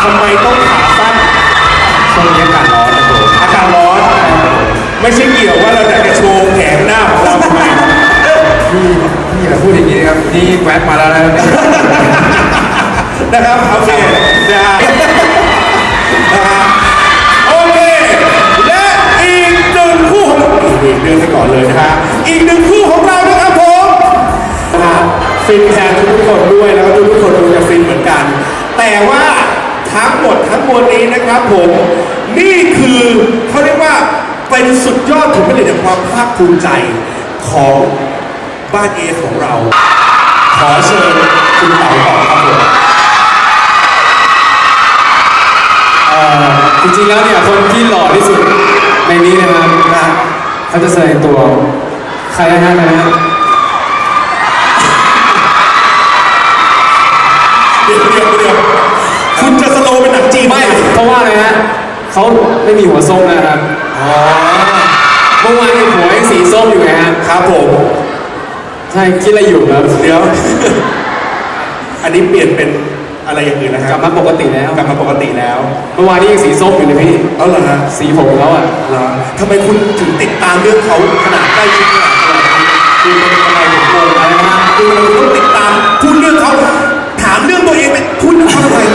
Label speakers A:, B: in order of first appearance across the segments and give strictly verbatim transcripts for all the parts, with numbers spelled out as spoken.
A: ทำไมต้องขาสั้น
B: ช่วงนี้อากาศร้อนนะผม
A: อากาศร้อนไม่ใช่เกี่ยวว่าเราอยากจะโชว์แขนหน้าของเราทำไม
B: พี่พี่อย่าพูดอย่างนี้นะครับนี่แวะมาแล้วนะ
A: นะครับโอเคนะฮะนะฮะโอเคและอีกหนึ่งคู่ของอีกเดือนไปก่อนเลยนะฮะอีกหนึ่งคู่ของเรานะครับผมนะฮะฟินแทนทุกคนด้วยแล้วก็ทุกคนดูจะฟินเหมือนกันแต่ว่าทั้งหมดทั้งมวลนี้นะครับผมนี่คือเขาเรียกว่าเป็นสุดยอดถึงผลิตความภาคภูมิใจของบ้านเอของเราขอเชิญคุณเต๋าต่อครับผม
B: จริงๆแล้วเนี่ยคนที่หล่อที่สุดในนี้นะครับนะเขาจะแสดงตัวใครนะฮะนะฮะ
A: เดี๋ยวเดี๋ยวเดี๋ยวคุณจะสโลว์เป็นหนังจีน
B: ไม่เพราะว่าอะไรฮะเขาไม่มีหัวส้มนะครับ
A: อ๋อ
B: เมื่อวานหัวยังสีส้มอยู่ไงฮะ
A: ครับผม
B: ใช่คิดอะไรอยู่ครับ
A: เดี๋ยวอันนี้เปลี่ยนเป็นอะไรอย่างอื่นนะฮะ
B: กลับมาปกติแล้ว
A: กลับมาปกติแล้ว
B: เมื่อวานนี้ยังสีส้มอยู่เลยพี่
A: เอาเหรอฮะ
B: สีผมเขาอ่ะ
A: เหรอทำไมคุณถึงติดตามเรื่องเขาขนาดใกล้ชิดขนาดนี้คือมันทำไมถึงโกงอะไรนะคือเราต้องติดตามพูดเรื่องเขาถามเรื่องตัวเองไปพูดเรื่องเขาทำไม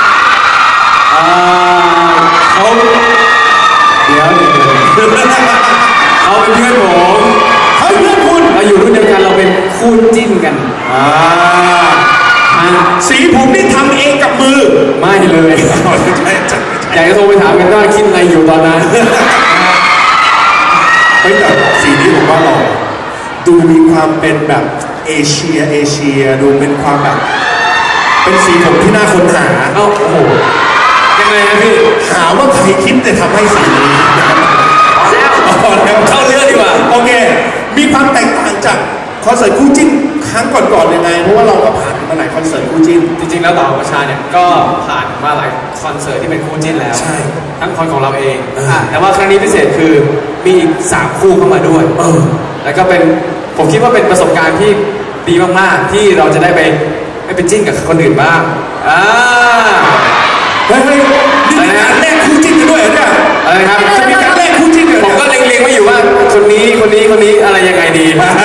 B: เขาเดี๋ยวเดี๋ยวเขาเป็นเพื่อนผม
A: เขาเพื่อนคุณ
B: เราอยู่รุ่นเดียวกันเราเป็นคู่จิ้นกัน
A: อ่าสีผมนี่ทำเองกับมือ
B: ไม่เลยอยากจะโทรไปถามกันว่าคิดอะไรอยู่ตอนนั้น
A: เฮ้ยแต่สีนี้ผมว่าหล่อดูมีความเป็นแบบเอเชียเอเชียดูเป็นความแบบเป็นสีผมที่น่าค้นหา
B: เอ้าโอ้โหยังไงนะพี่
A: หาว่าใครคิดแต่ทำให้สีนี้
B: แล้วเข้าเรื่องดีกว่า
A: โอเคมีความแตกต่างจากคอนเสิร์ตคู่จิ้นครั้งก่อนๆยังไงเพราะว่าเราก็ผ่านมาหลายคอนเสิร์ตคู่จิ้น
B: จริงๆแล้วต่อประชาเนี่ยก็ผ่านมาหลายคอนเสิร์ตที่เป็นคู่จิ้นแล้ว
A: ใช่
B: ทั้งคอนของเราเองแต่ว่าครั้งนี้พิเศษคือมีอีกสามคู่เข้ามาด้วย
A: เออ
B: แล้วก็เป็นผมคิดว่าเป็นประสบการณ์ที่ดีมากๆที่เราจะได้ไปไม่ไปจิ้นกับคนอื่นบ้างอ่า
A: เฮ้ยนี่มีการแลกคู่จิ้นกันด้วยเหรอเนี่ย
B: อะไรครับ
A: จะมีการแลกคู่จิ้นกัน
B: ผมก็เล็งๆไว้อยู่ว่าคนนี้คนนี้คนนี้อะไรยังไงดี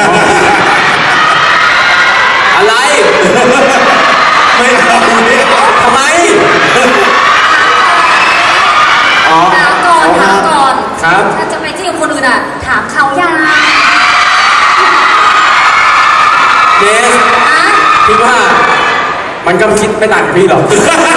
B: อะไร
A: ไม่เอาเนี่ย
B: ทำไม
C: อ๋อถามก่อนถามก่อน
B: ครับ
C: ถ้าจะไปที่คนอื่นอ่ะถามเขายัง
B: เนสคิดว่ามันก็คิดไม่ต่างกับพี่หรอก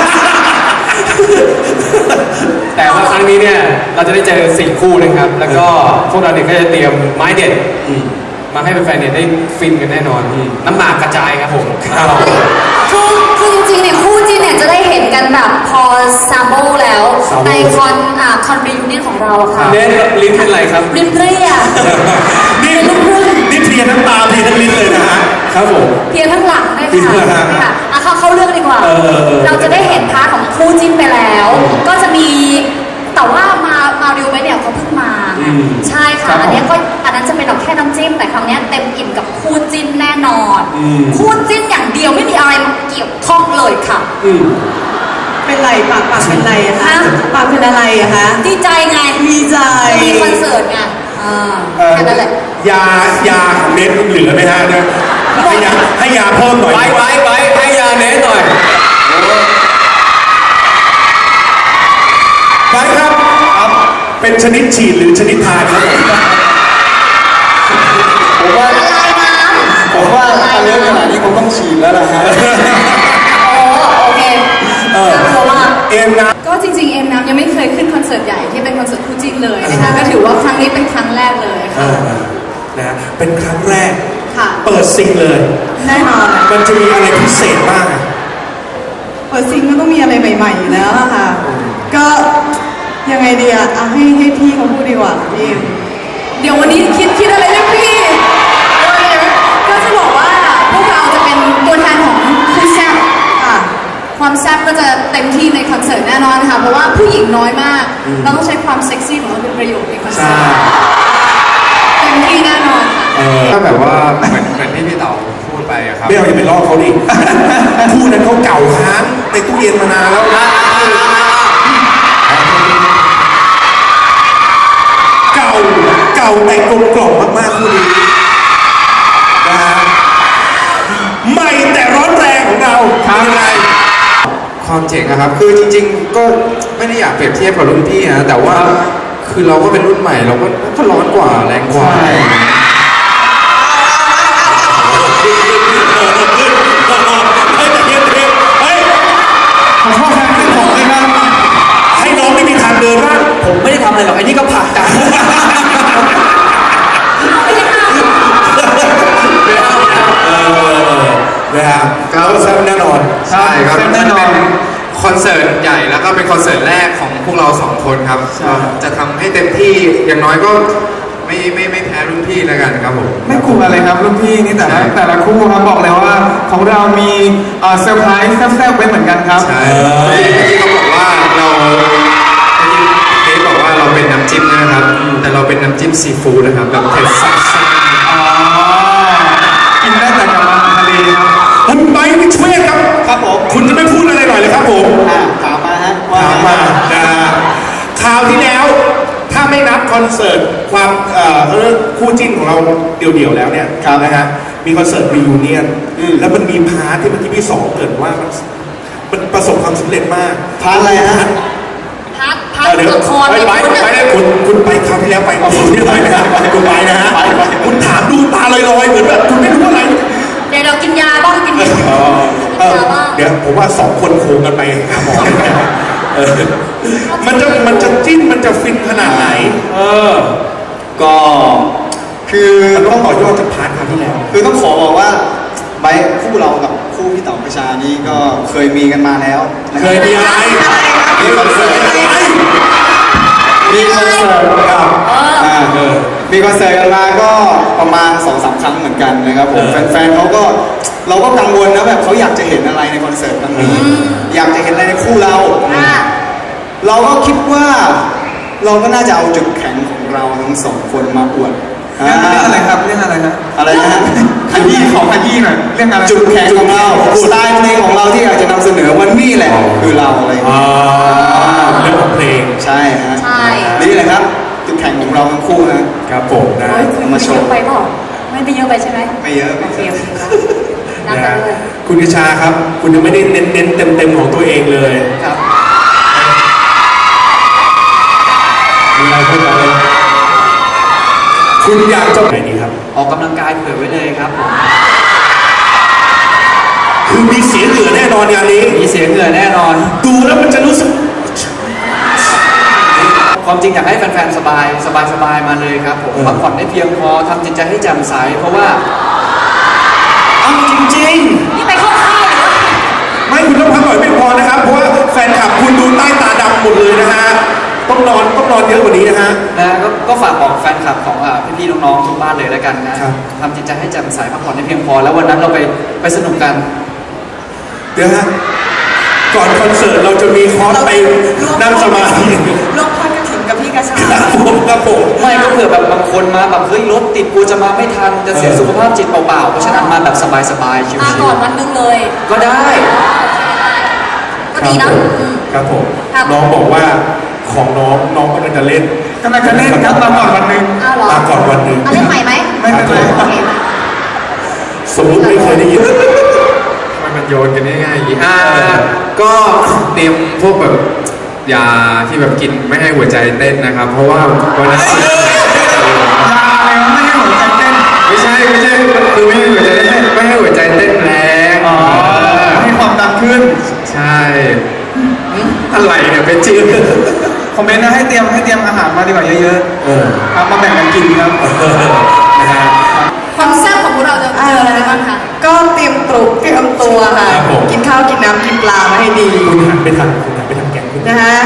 B: แต่ว่าครั้งนี้เนี่ยเราจะได้เจอสี่คู่นะครับแล้วก็พวกเราเนี่ยก็จะเตรียมไม้เด็ดมาให้แฟนๆเนี่ยได้ฟินกันแน่นอนพี่น้ำหมากกระจายครับผม
C: คือคือจริงๆเนี่ยคู่จิ้นเนี่ยจะได้เห็นกันแบบพอซาโบแล้วในคอนอ่าคอนรียูเนียนของเราค่ะ
B: เน้นลิ้นเป็นไรครับ
C: ลิ้นเปรี้ย
A: นี่นี่เพลียทั้งตาเพลียทั้งลิ้นเลยนะฮะ
B: ครับผม
C: เพลียทั้งหลังได้ค่ะค่ะอ่ะเข้าเข้าเรื่องดีกว่าเราจะได้เห็นพาร์ทของคู่จิ้นไปแล้วก็จะมีแต่ว่ามามาริวไปเนี่ยเขาเพิ่งมาใช่ค่ะอันนี้ก็อันนั้นจะเป็นแบบแค่น้ำจิ้มแต่ครั้งนี้เต็มอิ่มกับคู่จิ้นแน่นอนคู่จิ้นอย่างเดียวไม่มีอะไรมาเกี่ยวข้องเลยค่ะ
D: เป็นไรปากปากเป็นไรอะคะปากเป็นอะไรอะคะ
C: ดีใจไง
D: ดีใจ
C: มีคอนเสิร์ตไงแค่นั้นแหละ
A: ยายาของเน็ตเหลือไหมฮะเนี่ยให้ยาให้ยาเพิ่มหน่อย
B: ไปไปไปให้ยาเน็ตหน่อย
A: ไปครับเป็นชนิดฉีดหรือชนิดทานครับ
B: ผมว่าผมว่าถ้าเยอะขนาดนี้ผมต้องฉีดแล้วล่ะฮะ
C: โอ้โอเคเออ
A: เอ็มนะ
D: ก็จริงๆเอ็มน้ำยังไม่เคยขึ้นคอนเสิร์ตใหญ่ที่เป็นคอนเสิร์ตคู่จิ้นเลยนะคะก็ถือว่าครั้งนี้เป็นครั้งแรกเลยค่ะ
A: นะเป็นครั้งแรก
D: ค่ะ
A: เปิดซิงเลย
D: แน่นอน
A: มันจะมีอะไรพิเศษบ้าง
D: เปิดซิงก็ต้องมีอะไรใหม่ๆอยู่แล้วค่ะก็ยังไงดีอ่ะให้ให้พี่เขาพูดดีกว่าพี่เดี๋ยววันนี้คิดคิดอะไรเรื่องพี่ก็จะบอกว่าพวกเราจะเป็นตัวแทนของคู่แซ่บค่ะความแซ่บก็จะเต็มที่ในคอนเสิร์ตแน่นอนค่ะเพราะว่าผู้หญิงน้อยมากเราต้องใช้ความเซ็กซี่ของเราเป็นประโยชน์ในคอนเสิร์ตเต็มที่แน่นอนค่ะ
B: ถ้าแบบว่าเหมือนเหมือนที่พี่เต๋าพูดไปครับ
A: ไม่เอาอย่าไปลอกเขาดิคู่นั้นเขาเก่าค้างในตู้เย็นมานานแล้วแต่กลมกล่อมมากๆคู่นี้นะฮะใหม่แต่ร้อนแรงของเราทำยังไง
E: ความเจ๋งอะครับคือจริงๆก็ไม่ได้อยากเปรียบเทียบกับรุ่นพี่นะแต่ว่าคือเราก็เป็นรุ่นใหม่เราก็ก็ร้อนกว่าแรงกว่า
A: ขอโทษครับผมเลยครับให้น้องไม่มีทางเดินบ้าง
B: ผมไม่ได้ทำอะไรหรอกไอ้นี่ก็ผลักดัน
A: นะฮะเขาแซ่บแน่นอน
E: ใช่ครับ
B: แน่นอน
E: เป็นคอนเสิร์ตใหญ่แล้วก็เป็นคอนเสิร์ตแรกของพวกเราสองคนครับก็จะทำให้เต็มที่อย่างน้อยก็ไม่ไม่ไม่แพ้รุ่นพี่แล้วกันครับผม
F: ไม่กลัวอะไรครับรุ่นพี่นี่แต่ละแต่ละคู่ครับบอกเลยว่าของเรามีเอ่อเซอร์ไพรส์แซ่บๆไว้เหมือนกันครับ
E: ใช่เมื่อกี้เมื่อกี้เขาบอกว่าเราเมื่อกี้เค้กบอกว่าเราเป็นน้ำจิ้มนะครับ แต่เราเป็นน้ำจิ้มซีฟู้ดนะครับแบบเผ็ดซ่า
F: อ๋อ กินได้แต่กับอาหารทะเลครับ
A: คุณไบค์วิชเวทครับครับผมคุณจะไม่พูดอะไรหน่อยเลยครับผม
F: ถามมาฮะ
A: ถามมานะฮะคราวที่แล้วถ้าไม่นับคอนเสิร์ตความเอ่อเรื่องคู่จิ้นของเราเดี่ยวๆแล้วเนี่ยนะฮะมีคอนเสิร์ตรียูเนียนแล้วมันมีพาร์ทที่เมื่อกี้พี่สองเกริดว่ามันมันประสบความสำเร็จมากพาร์ทอะไรฮะ
C: พักพัก
A: เออเดี๋ยว
C: ละคร
A: ไปไปไปได้คุณคุณไปคราวที่แล้วไปคุณที่ไปนะคุณไปนะฮะคุณถามดูตาลอยๆเหมือนแบบคุณไม่รู้อะไร
C: เดี๋ยวเรากินยาบ้างกินยา
A: เออเดี๋ยวผมว่าสองคนโคงกันไปหาหมอเออมันจะมันจะจิ้นมันจะฟินขนาดไหน เออ
G: ก็คือ
A: มันต้
G: ต้
A: อ
G: อง ง
A: ต่อยอดจากพาร์ทคราวที่แล้ว
G: คือต้องขอบอกว่าไบค์คู่เรากับคู่พี่เต๋อประชานี้ก็เคยมีกันมาแล้วนะ
A: เคยมีอะไร
G: มีคอนเสิร์ตมีคอนเสิร์ตครับอ่ามีคอนเสิร์ตกันมาก็ประมาณสองสามครั้งเหมือนกันนะครับผมแฟนๆเขาก็เราก็กังวลนะแบบเขาอยากจะเห็นอะไรในคอนเสิร์ตครั้งนี้อยากจะเห็นอะไรในคู่เรา
C: อ่ะ
G: เราก็คิดว่าเราก็น่าจะเอาจุดแข็งของเราทั้งสองคนมาอวด
F: เรื่องเรื่องอะไรครับเรื่องอะไรครับ
G: อะไรนะฮะ
F: ขยี้ขอขยี้หน่อยเรื่องอะไร
G: จุดแข็งของเราสไตล์เพลงของเราที่อยากจะนำเสนอวันนี้แหละคือเราอะไรอย่าง
A: อ่า
G: เงี้ย
A: เรื่องของเพลง
G: ใช่ฮะ
C: ใช่
G: นี่แหละครับจุดแข็งของเราทั้งคู่นะครับ
A: ผมนะ
C: โอ้ยคุย
G: มาโช
C: เย
G: ว์
C: อะไปเปล่าไม่ได้เยอะไปใช่ไหม
G: ไม่เยอะ
C: โอ
G: ไม่
C: เค
G: เย
C: โอ
G: อะ
C: เคครับนับ
A: นะ
C: ไป
A: ฮะ
C: ด้วย
A: คุณกระชาครับ คุณยังไม่ได้เน้นเน้นเต็มเต็มๆของตัวเองเลย
G: ครับ
A: มีอะไรพูดมาเลยคุณอยากจะไหนดีครับ
B: ออกกำลังกายเผื่อไว้เลยครับ
A: คือมีเสียงเหลือแน่นอนงานนี้
B: มีเสียงเหงื่อแน่นอน
A: ดูแล้วมันจะรู้สึก
B: ความจริงอยากให้แฟนๆสบายสบายสบายมาเลยครับผม
A: เออ
B: พักผ่อนได้เพียงพอทำจิตใจให้แจ่มใสเพราะว่า
A: เอาจริง
C: นี่ไปเข้าค่ายเหรอ
A: ๆ ไม่คุณต้องพักผ่อนไม่พอนะครับ เพราะว่าแฟนคลับคุณดูใต้ตาดำหมดเลยนะฮะ ต้องนอนต้องนอนเยอะกว่านี้นะฮะ
B: นะก็ก็ฝากบอกแฟนคลับของอ่าพี่ๆน้องๆทุกบ้านเลยแล้วกันนะครับ ทำจิตใจให้แจ่มใสพักผ่อนได้เพียงพอ แล้ววันนั้นเราไปไปสนุกกัน
A: เดี๋ยวฮะ ก่อนคอนเสิร์ตเราจะมีคอร์สไปนั่งสมาธิ
D: ร่วมทอดกระถิ่นกับพี่กระชา
A: ครับผมครับผม
B: ไม่ก็เผื่อแบบบางคนมาแบบเฮ้ยรถติดกูจะมาไม่ทันจะเสีย
A: เออ
B: สุขภาพจิตเปล่าๆเพราะฉะนั้นมาแบบสบายๆชิว
C: มาก่อนวันนึงเลย
B: ๆก็ได้
C: ก็ดีนะอืม
A: ครับผม
C: ครับ
A: น้องบอกว่าของน้องน้องกำลังจะเล่น
F: กำลังจะเล่นครับมาก่อนวันหนึ่ง
C: อ้าวเหรอ
A: มาก่อนวันหนึ่ง
C: เอาเล่นใหม่ไหม
F: ไม่เป็นไร
C: โอเค
A: สมมติไม่เคยได้ยิน
E: ทำไมมันโยนกันง่ายๆอย่างนี้อ่าก็เตรียมพวกแบบยาที่แบบกินไม่ให้หัวใจเต้นนะครับ เพราะว่าวันนั้น
F: ยาอะไรวะไม่ให้หัวใจเต้น
E: ไม่ใช่ไม่ใช่คือไม่ให้หัวใจเต้นไม่ให้หัวใจเต้นแรง
F: อ๋อให้ความดังขึ้น
E: ใช่อะไรเนี่ยเป็นจริง
F: คอมเมนต์นะให้เตรียมให้เตรียมอาหารมาดีกว่าเยอะ
A: เออ
F: ๆครับมาแบ่งกันกินครับ
A: นะฮะ
C: ความแซ่บของพวกเราจะเจออะไรบ้างคะ
D: ก็เตรียมตรุเตรียมตัวค่ะ
A: ครับผม
D: กินข้าวกินน้ำกินปลามาให้ดี
A: คุณหันไปทางคุณหันไปทางแกงคุณ
D: นะฮะ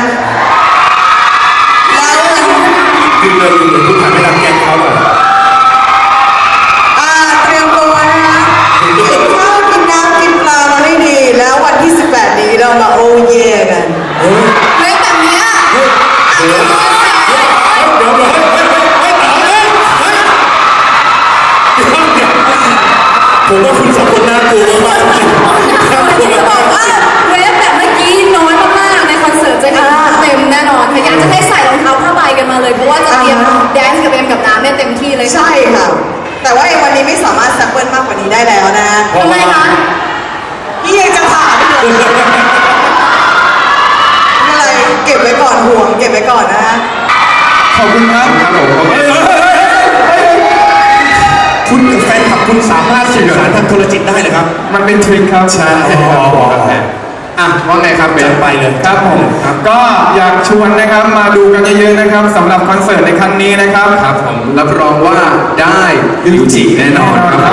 D: แล้ว
A: ยืนเลยยืนเลยคุณหันไปทางแกงเขาหน่อย
D: อ่าเตรียมตัวนะคะกินข้าวกินน้ำกินปลามาให้ดี แล้ววันที่สิบแปดนี้เรามาโอเย่กัน
A: เฮ้ย
C: เฮ้ยแบบเนี้ย
A: เดี๋ยวเดี๋ยวเดี๋ยวเฮ้ยเฮ้ยเฮ้ยเต๋อเฮ้ยเฮ้ยเดี๋ยวเดี๋ยวผมว่าคุณสองคนน่ากลัวมากๆจริงๆน่ากลัว
C: จะบอก
A: มาก
C: ว่าเวฟแบบเมื่อกี้น้อยมาก
D: ได้แล้วนะ
C: ทำไมคะ
D: พี่ยังจะถามอยู่ไม่เป็นไรเก็บไว้ก่อนห่วงเก็บไว้ก่อนนะ
F: ขอบคุณครับครับผม
A: เฮ้ยเฮ้ยเฮ้ยเฮ้ยเฮ้ยคุณแฟนคลับคุณสามารถสื่อสารทางโทรจิตได้เลยครับ
F: มันเป็นทริคครับ
A: ใช่อ่ะว่าไงครับเบนไปเลย
F: ครับผมก็อยากชวนนะครับมาดูกันเยอะๆนะครับสำหรับคอนเสิร์ตในครั้งนี้นะครับ
E: ครับผมรับรองว่าได้ลิวจิแน่นอนครับ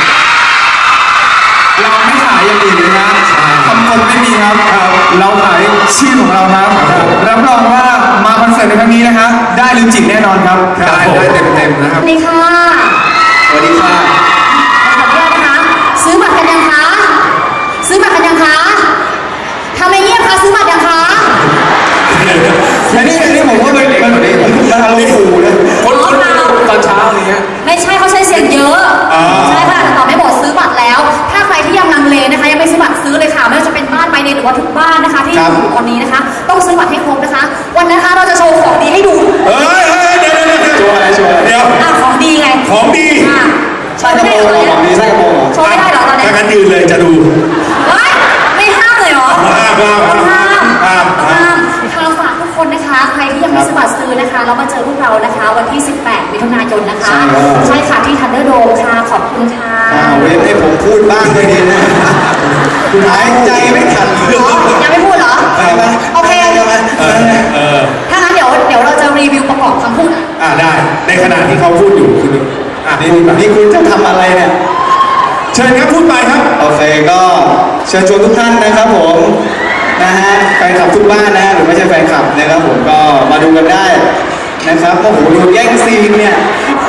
F: เราไม่ขายอย่างอื่นเลยนะคำคมไม่มีครับ เราขายชื่อของเราครับรับรองว่ามาคอนเสิร์ตในครั้งนี้นะครับได้ลิวจิแน่นอนครับ
E: ได้ได้เต็มๆนะค
C: ส
E: รับ
C: วัสดีค่ะ
E: สวัสดีค่ะ
C: ขออนุญาตนะคะ ซื้อบัตรกันยังคะ ซื้อบัตรกันยังคะทำไมเงียบคะซื้อบัตรยังคะ
F: อันนี้อันนี้ผมว่ามันมันมันอารมณ์ขู่นะ
B: คนคนตอนเช้าอย่างเงี้ย
C: ไม่ใช่เขาใช้เสียงเยอะ ใช่ค่ะแต่ตอบไม่หมดซื้อบัตรแล้ว ถ้าใครที่ยังลังเลนะคะยังไม่ซื้อบัตรซื้อเลยค่ะไม่ว่าจะเป็นบ้านไบเดนหรือว่าทุกบ้านนะคะ ที่อยู่ตอนนี้นะคะ ต้องซื้อบัตรให้ครบนะคะ วันนั้นนะคะเราจะโชว์ของดีให้ดู
A: เฮ้ยเฮ้ยเดี๋ยวเดี๋ยวเดี๋ยว
F: ชัวร์อะไรชัวร์
A: เดี๋ยว
C: อ่ะของดีไง
A: ของดี
C: อ่ะโช
G: ใช่
C: ว์
G: กระ
C: ไม่
G: โป
C: ได้
G: รง
C: เหรอ
G: ของดีใช่กระโปรงเหรอ
C: โชว์ไม่ได้เหรอตอนเนี้ย
A: ถ้างั้นยืนเลยจะดู
C: เฮ้ยไม่ห้ามเลยเหรอ
A: ห้ามห้ามห้าม
C: ห้าม
A: ห้าม
C: ห้ามค่ะฝากทุกคนนะคะ ใครที่ยังไม่ซื้อบัตรซื้อนะคะ เรามาเจอพวกเรานะคะ วันที่ สิบแปด มิถุนายนนะคะ ใช่ค่ะที่ทันเดอร์โดมค่ะ ขอบคุณค่ะ
G: อ่าเว้นให้ผมพูดบ้างก็ดีนะคุณหายใจไม่ทันเลย
C: อ๋อยังไม่พูดเหรอ
G: ไปไหม
C: โอเค
G: ไปไหม
A: เออเออ
C: ถ้างั้นเดี๋ยวเดี๋ยวเราจะรีวิวประกอบคำพูด
A: อ่าได้ ในขณะที่เขาพูดอยู่คุณอ่ะ
G: นี่
A: พูดไป
G: นี่คุณจะทำอะไรเนี่ย
A: เชิญครับพูดไปครับ
G: โอเคก็เชิญชวนทุกท่านนะครับผมนะฮะแฟนคลับทุกบ้านนะหรือไม่ใช่แฟนคลับนะครับผมก็มาดูกันได้นะครับโอ้โหดูแย่งซีนเนี่ย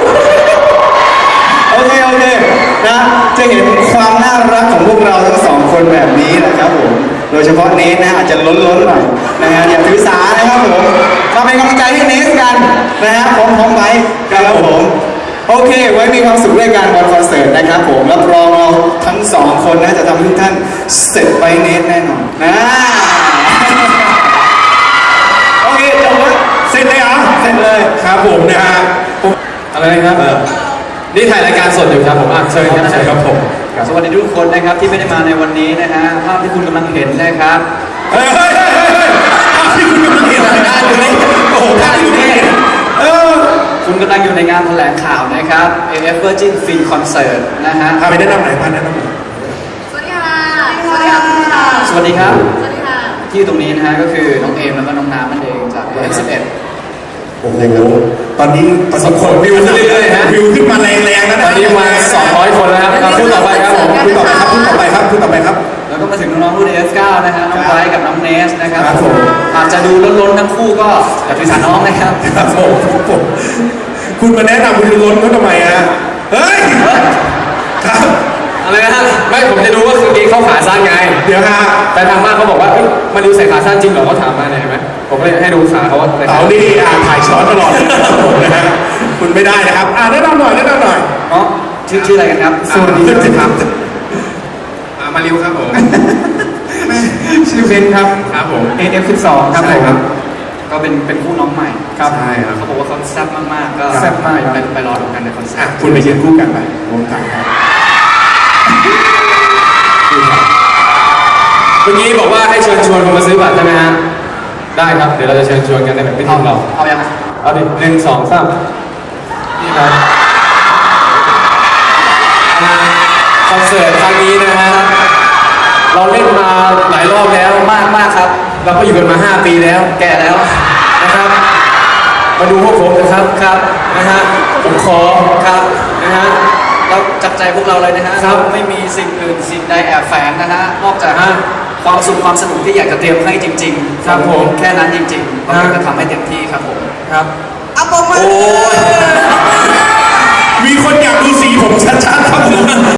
G: โอเคโอเคนะจะเห็นความน่ารักของพวกเราทั้งสองคนแบบนี้นะครับผมโดยเฉพาะเนสนะอาจจะล้นๆหน่อยนะฮะอย่าถือสานะครับผมมาเป็นกำลังใจให้เนสกันนะฮะพร้อมๆไว้นะครับผมโอเค ไว้มีความสุขด้วยกันบนคอนเสิร์ตนะครับผมรับรองเราทั้งสองคนนะจะทำให้ทุกท่านเสร็จไปเนสแน่นอนนะโอเคจบแล้ว
A: เสร็จเลยเหรอ
G: เสร็จเลย
A: ครับผมนะฮะ
B: อะไรนะครับ
A: เออ
B: นี่ถ่ายรายการสดอยู่ครับผมอ่ะเชิญครับเชิญครับผม
H: สวัสดีทุกคนนะครับที่ไม่ได้มาในวันนี้นะฮะภาพที่คุณกำลังเห็นนะครับ
A: เฮ้ยเฮ้ยเฮ้ยเฮ้ยเฮ้ยภาพที่คุณกำลังเห็นอะไรอยู่นี่โอ้โหภาพที่คุณกำลังเห็นเออ
H: คุณกำลังอยู่ในงานแถลงข่าวนะครับ เอ เอฟ Virgin Fin Concert นะฮะ
A: พาไปแนะนำไหนอยพาแนะนำหน่อย
C: สวัสดีค่ะ สวัสดีค่ะ
H: สวัสดีครับ
C: สวัสดีค่ะ
H: ที่ตรงนี้นะฮะก็คือน้องเอมแล้วก็น้องน้ำนั่นเองจาก เอ เอฟ สิบเอ็ด
A: โอ้โหตอนนี้ตอนนี้
B: คนวิวขึ้นเรื่อยๆฮะ
A: วิวขึ้นมาแรงๆแล้ว
B: ต
A: นะ
B: อนนี้มาสองร้อยคนแล้วครับอ่ะพูดต่อไปครับผม
A: พูดต่อไปครับพูดต่อไปครับพูดต่อไปครับ
H: แล้วก็มาถึงน้องๆรุ่น เอ เอฟ เก้า นะฮะน้องไบรท์กับน้องเนสนะครับ
A: ครับผม
H: อาจจะดูล้นๆทั้งคู่ก็อย่าถือสาน้องนะครับ
A: ครับผมผมคุณมาแนะนำคุณจะล้นเขาทำไมฮะเฮ้ยครับ
B: อะไรนะฮะไม่ผมจะดูว่าคืนนี้เข้าขาสั้นไง
A: เดี๋ยวฮะ
B: แต่ทางบ้านเขาบอกว่าเอ้ยมาดูใส่ขาสั้นจริงเหรอเขาถามมาเนี่ยเห็นไหมผมก็เลยให้ดูขาเขาว่าใส่ขา
A: เต๋านี่อ่านถ่ายช้อนตลอดเลยครับผมนะฮะคุณไม่ได้นะครับอ่าแนะนำหน่อยแนะนำหน่อย
H: อ๋อชื่อชื่ออะไรกันครับ
A: สวัสดีครับ
E: อ่ามาริวครับผม
F: ชื่อเบนครับ
E: ครับผม
F: เอ เอฟ สิบสองครับ
E: ใช่
F: ผม
E: ครับ
H: ก็เป็นเป็นคู่น้องใหม่
F: ครับ
E: ใช่ครับ
H: เขาบอกว่าเขาแซ่บมากๆ ก็
F: แซ่บมากครับ
H: ไปไปรอดูกันในคอนเสิ
A: อ่ะ
H: ร์ต
A: คุณไปยืนคู่กันไปวงกันครับ
B: เมื่อกี้บอกว่าให้เชิญชวนคนมาซื้อบัตรใช่ไหมฮะได้ครับเดี๋ยวเราจะเชิญชวนกันในแบบพิธีของเรา
H: เอายังไง
B: เอาดิหนึ่งสองสามนี่ครับอ่าคอนเสิร์ตครั้งนี้นะฮะเราเล่นมาหลายรอบแล้ว
H: มากมากครับ
B: เราก็อยู่กันมาห้าปีแล้ว
H: แก่แล้ว
B: นะครับ มาดูพวกผมนะครับครับนะฮะผมขอ
H: ครับ
B: นะฮะ
H: เราจับใจพวกเราเลยนะฮะ
B: ครับ
H: ไม่มีสิ่งอื่นสิ่งใดแอบแฝงนะฮะ นอกจาก
B: ฮะ
H: ความสุขความสนุกที่อยากจะเตรียมให้จริงๆ
B: ครับผม
H: แค่นั้นจริงๆเรา
B: ฮะ
H: จะทำให้เต็มที่ครับผม
B: ครับ
D: เอาปมมือ
A: มีคนอยากดูสีผมชัดๆครับผม